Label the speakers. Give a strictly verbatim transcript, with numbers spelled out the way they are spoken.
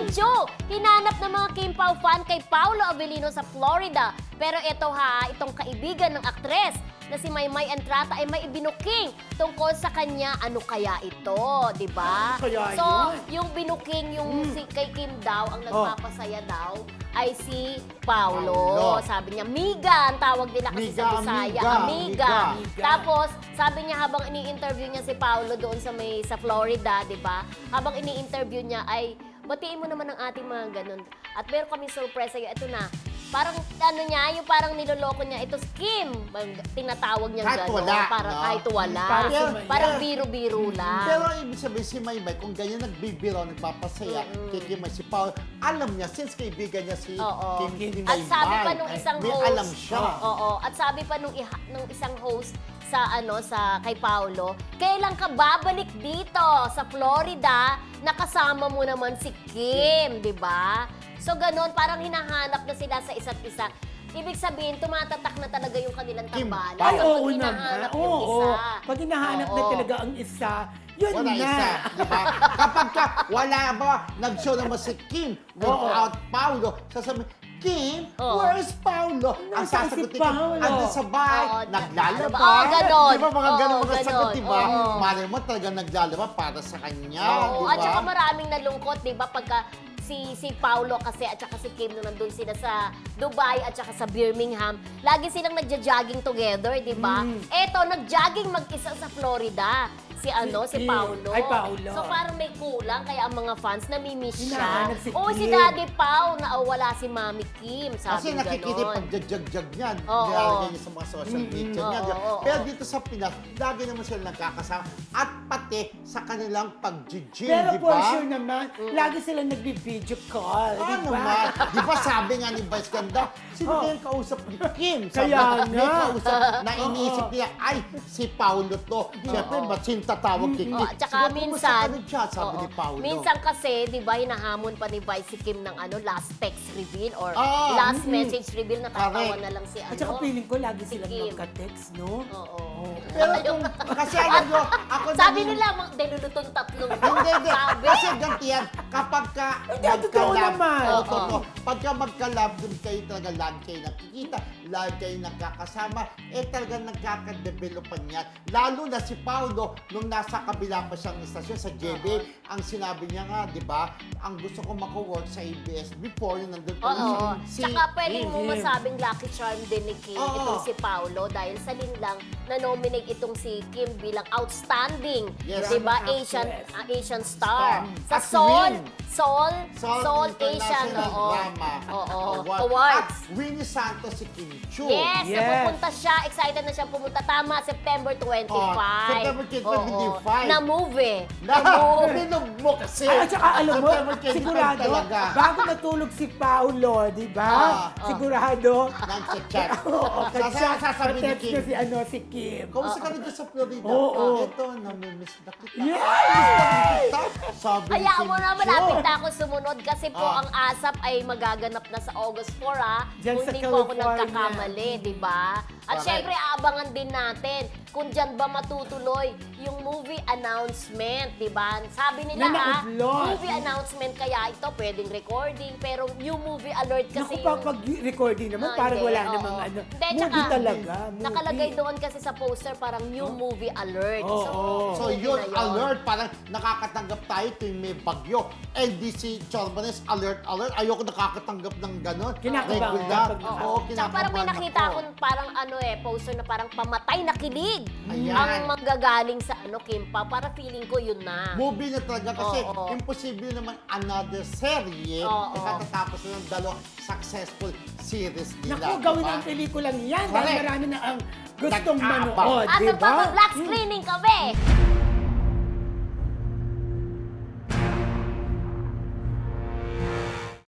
Speaker 1: video, hinanap ng mga Kim Pao fan kay Paolo Avellino sa Florida. Pero ito ha, itong kaibigan ng aktres na si Maymay Entrata ay may ibinuking tungkol sa kanya, ano kaya ito, di ba?
Speaker 2: Ano kaya
Speaker 1: so,
Speaker 2: yun?
Speaker 1: yung binuking yung
Speaker 2: Mm.
Speaker 1: si, kay Kim daw, ang
Speaker 2: Oh.
Speaker 1: nagpapasaya daw, ay si Paolo.
Speaker 2: Paolo.
Speaker 1: Sabi niya, Miga, ang tawag nila kasi
Speaker 2: Miga,
Speaker 1: sa Bisaya.
Speaker 2: amiga,
Speaker 1: Amiga.
Speaker 2: amiga.
Speaker 1: Tapos, sabi niya habang ini-interview niya si Paolo doon sa may sa Florida, di ba? Habang ini-interview niya ay, batiin mo naman ang ating mga ganun. At meron kami surprise sa'yo. Ito na, parang ano niya, yung parang niloloko niya, ito si Kim. Bang- Tinatawag niya
Speaker 2: Kahit
Speaker 1: gano'n.
Speaker 2: wala,
Speaker 1: Parang
Speaker 2: no?
Speaker 1: kahit wala.
Speaker 2: Parang si Maya.
Speaker 1: Parang biro-biro lang.
Speaker 2: Pero ibig sabihin si Maymay, kung ganyan nagbibiro, nagpapasaya
Speaker 1: Mm-mm.
Speaker 2: kay Kim ay si Paul, alam niya, since kaibigan niya si
Speaker 1: Oo.
Speaker 2: Kim, Kim
Speaker 1: At sabi pa
Speaker 2: Maymay,
Speaker 1: nung isang
Speaker 2: may
Speaker 1: host,
Speaker 2: alam siya.
Speaker 1: Oo, at sabi pa nung, iha, nung isang host sa ano sa kay Paolo, kailan ka babalik dito sa Florida? Nakasama mo naman si Kim, 'di ba? So ganon, parang hinahanap na sila sa isa't isa. Ibig sabihin, tumatatak na talaga yung kanilang
Speaker 2: Kim,
Speaker 1: tambalan.
Speaker 2: Ay,
Speaker 1: kapag
Speaker 3: oo
Speaker 1: hinahanap
Speaker 3: naman.
Speaker 1: yung
Speaker 3: Oo.
Speaker 1: isa.
Speaker 3: Pag hinahanap na
Speaker 1: Oo.
Speaker 3: talaga ang isa, yun
Speaker 2: Wala
Speaker 3: na.
Speaker 2: isa, di ba? Kapag ka, wala ba, nag-show naman si Kim without Paolo, sasabihin, Kim,
Speaker 1: Oo.
Speaker 2: where is Paolo? Ang
Speaker 3: Nasaan si
Speaker 2: sasagutin,
Speaker 3: Paolo?
Speaker 2: ando sa bahay,
Speaker 1: Oo,
Speaker 2: naglalaba.
Speaker 1: Oo, ganon.
Speaker 2: Di ba mga
Speaker 1: Oo,
Speaker 2: ganon mga
Speaker 1: ganon.
Speaker 2: sagot, di ba?
Speaker 1: Oo.
Speaker 2: Malay mo talaga naglalaba para sa kanya,
Speaker 1: Oo,
Speaker 2: di ba?
Speaker 1: at saka maraming nalungkot, 'di ba, pagka si si Paolo kasi at saka si Kim nung nandun sila sa Dubai at saka sa Birmingham, lagi silang nagja-jogging together, 'di ba?
Speaker 3: Mm.
Speaker 1: Eto, nag-jogging mag-isa sa Florida. Si ano, si,
Speaker 3: Kim.
Speaker 1: Paolo.
Speaker 3: Ay, Paolo.
Speaker 1: So parang may kulang kaya ang mga fans namimiss siya.
Speaker 3: Hinahanap si
Speaker 1: Oo, si
Speaker 3: Kim.
Speaker 1: Daddy Pao na wala si Mami Kim,
Speaker 2: Kasi
Speaker 1: sabi
Speaker 2: nakikita
Speaker 1: ganon.
Speaker 2: pag jag-jag niyan,
Speaker 1: Oo.
Speaker 2: nilalagay niya sa mga social
Speaker 3: Mm-mm.
Speaker 2: media niya.
Speaker 1: Oo, oo,
Speaker 2: Pero
Speaker 1: oo.
Speaker 2: dito sa Pinas, lagi naman sila nagkakasama. At pati sa kanilang pag-gym,
Speaker 3: Pero
Speaker 2: di
Speaker 3: for
Speaker 2: ba?
Speaker 3: sure naman, lagi sila nagbi-video call.
Speaker 2: Ah,
Speaker 3: di ba?
Speaker 2: naman. Di ba sabi nga ni Vice Ganda, sino
Speaker 3: Oh.
Speaker 2: kaya yung kausap ni Kim? Sabi
Speaker 3: Kaya
Speaker 2: niya, may
Speaker 3: nga.
Speaker 2: kausap na iniisip
Speaker 3: Oo.
Speaker 2: niya, ay, si Paolo to. Siyempre,
Speaker 1: Oo.
Speaker 2: matsin tatawag kay Kim.
Speaker 1: Oh, at saka
Speaker 2: Siguro, kumusta
Speaker 1: minsan,
Speaker 2: ka rin siya, sabi
Speaker 1: oo.
Speaker 2: ni Paolo.
Speaker 1: Minsan kasi, 'di ba, hinahamon pa ni Vice si Kim ng ano, last text reveal or
Speaker 2: Ah,
Speaker 1: last
Speaker 3: mm.
Speaker 1: message reveal, natatawa
Speaker 2: Correct.
Speaker 1: na lang si ano.
Speaker 3: At saka feeling ko lagi
Speaker 1: Si
Speaker 3: silang
Speaker 1: Kim.
Speaker 3: magka-text, no?
Speaker 1: Oo.
Speaker 2: Pero kung, kasi alam nyo, ako
Speaker 1: Sabi
Speaker 2: namin-
Speaker 1: nila, mga delulutong tatlong.
Speaker 2: Hindi, hindi.
Speaker 1: Sabi.
Speaker 2: Kasi ganti yan, kapag ka
Speaker 3: Hindi, totoo naman.
Speaker 2: Oo,
Speaker 1: Oo.
Speaker 2: totoo. Pagka magka-love, dun kayo talaga lagi kayo nakikita, lagi kayo nagkakasama, eh talaga nagkakadevelopan yan. Lalo na si Paolo, nung nasa kabila pa siyang istasyon sa J B, ang sinabi niya nga, di ba, ang gusto ko mako-work sa A B S before, yung nandun pa
Speaker 1: Oo.
Speaker 2: si
Speaker 1: Tsaka pwede mo
Speaker 3: Kim.
Speaker 1: masabing lucky charm din ni Kim
Speaker 2: Oo.
Speaker 1: itong si Paolo dahil sa linlang na-nominate itong si Kim bilang outstanding,
Speaker 2: Yes.
Speaker 1: di ba,
Speaker 3: Drama
Speaker 1: Asian
Speaker 3: actress.
Speaker 1: ah, Asian star.
Speaker 2: Star.
Speaker 1: Sa
Speaker 2: At
Speaker 1: Seoul,
Speaker 2: win.
Speaker 1: Seoul,
Speaker 2: Seoul
Speaker 1: Seoul Asian,
Speaker 2: International
Speaker 1: oo.
Speaker 2: Drama
Speaker 1: Oo.
Speaker 2: Award.
Speaker 1: Awards.
Speaker 2: At Winnie Santos si Kim Chu.
Speaker 1: Yes,
Speaker 3: Yes.
Speaker 1: napupunta siya. Excited na siya pumunta. Tama, September twenty-five.
Speaker 2: Oh, September twenty-five.
Speaker 1: Oo. Na movie.
Speaker 2: Na,
Speaker 1: Na movie.
Speaker 2: binog mo kasi.
Speaker 3: Ay, at saka alam mo,
Speaker 2: September twenty-five
Speaker 3: sigurado,
Speaker 2: talaga.
Speaker 3: bago matulog si Paolo, di ba?
Speaker 2: Ah,
Speaker 1: ah.
Speaker 3: Sigurado.
Speaker 2: Nag-chat.
Speaker 3: Oo,
Speaker 2: Sasa- sasabihin ni
Speaker 3: ka-text
Speaker 2: Kim,
Speaker 3: na si, ano, si Kim.
Speaker 2: kamusta ka rin dyan sa Florida?
Speaker 3: Oo.
Speaker 2: Ito, namimiss na kita.
Speaker 3: Yes!
Speaker 2: Namimiss na kita. Sabi ni
Speaker 1: Hayaan
Speaker 2: Kim
Speaker 1: mo na,
Speaker 2: Chu.
Speaker 1: malapit na ako sumunod kasi po
Speaker 2: Ah.
Speaker 1: ang ASAP ay magaganap na sa August four, ah.
Speaker 3: Diyan
Speaker 1: Kung
Speaker 3: sa
Speaker 1: hindi po ako
Speaker 3: California.
Speaker 1: nagkakamali, di ba? At
Speaker 2: Correct.
Speaker 1: syempre, aabangan din natin kung dyan ba matutuloy yung movie announcement, di ba? Sabi nila,
Speaker 3: Na
Speaker 1: ha,
Speaker 3: na-upload.
Speaker 1: movie announcement kaya ito, pwedeng recording, pero yung movie alert kasi
Speaker 3: Naku, pa, pag recording naman,
Speaker 1: Ah,
Speaker 3: parang
Speaker 1: hindi,
Speaker 3: wala
Speaker 1: oo.
Speaker 3: namang ano.
Speaker 1: Hindi,
Speaker 3: movie
Speaker 1: tsaka,
Speaker 3: talaga, movie.
Speaker 1: nakalagay doon kasi sa poster parang new movie alert.
Speaker 3: Oo.
Speaker 1: So,
Speaker 2: So
Speaker 1: movie
Speaker 2: yun,
Speaker 1: na yun.
Speaker 2: alert, parang nakakatanggap tayo tuwing may bagyo. N D C Chorbanes, alert, alert. Ayoko nakakatanggap ng gano'n.
Speaker 3: Kinakabahan
Speaker 2: Regular.
Speaker 3: ka pag-
Speaker 2: Oo,
Speaker 1: Tsaka parang may
Speaker 2: kinakabahan
Speaker 1: nakita
Speaker 2: ako.
Speaker 1: akong parang ano eh, poster na parang pamatay na kilig.
Speaker 2: Ayan.
Speaker 1: Ang manggagaling sa ano, Kimpa. Para feeling ko yun na.
Speaker 2: Movie na talaga kasi
Speaker 1: Oo.
Speaker 2: imposible naman another serye
Speaker 1: Oo.
Speaker 2: na katatapos na ng dalawang successful series nila.
Speaker 3: Naku, gawin
Speaker 2: diba?
Speaker 3: ang pelikulang yan.
Speaker 2: Correct.
Speaker 3: Dahil marami na ang gustong
Speaker 2: Nag-aabang.
Speaker 3: manood,
Speaker 1: At
Speaker 3: di ba?
Speaker 1: magpapa-black screening kami.